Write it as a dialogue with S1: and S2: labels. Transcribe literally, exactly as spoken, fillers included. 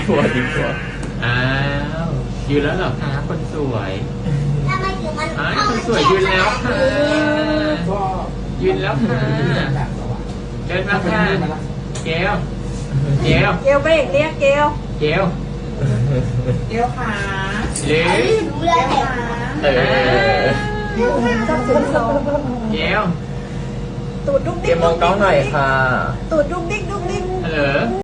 S1: กลัวดีกลัว
S2: อ้าวยืนแล้วเหรอคะคนสวย
S3: ทำไมถึงมัน
S2: อ้าวคนสวยยืนแล้วค่ะยืนแล้วค่ะเดินมาค่ะเกลเกล
S4: เกลเบรกเรียกเกล
S2: เกล
S5: เดี๋ยวขา
S2: หรือ
S3: รู้แล้วแหละ
S1: เออ
S4: ชอบสูงโซ
S2: เกล
S4: ตูดดุ๊ก
S1: เก
S4: ดิ๊ก
S1: มมองกล้องหน่อยค่ะ
S4: ตูดดุ๊กดิ๊กดุ๊กดิ๊ก
S2: ฮัลโหล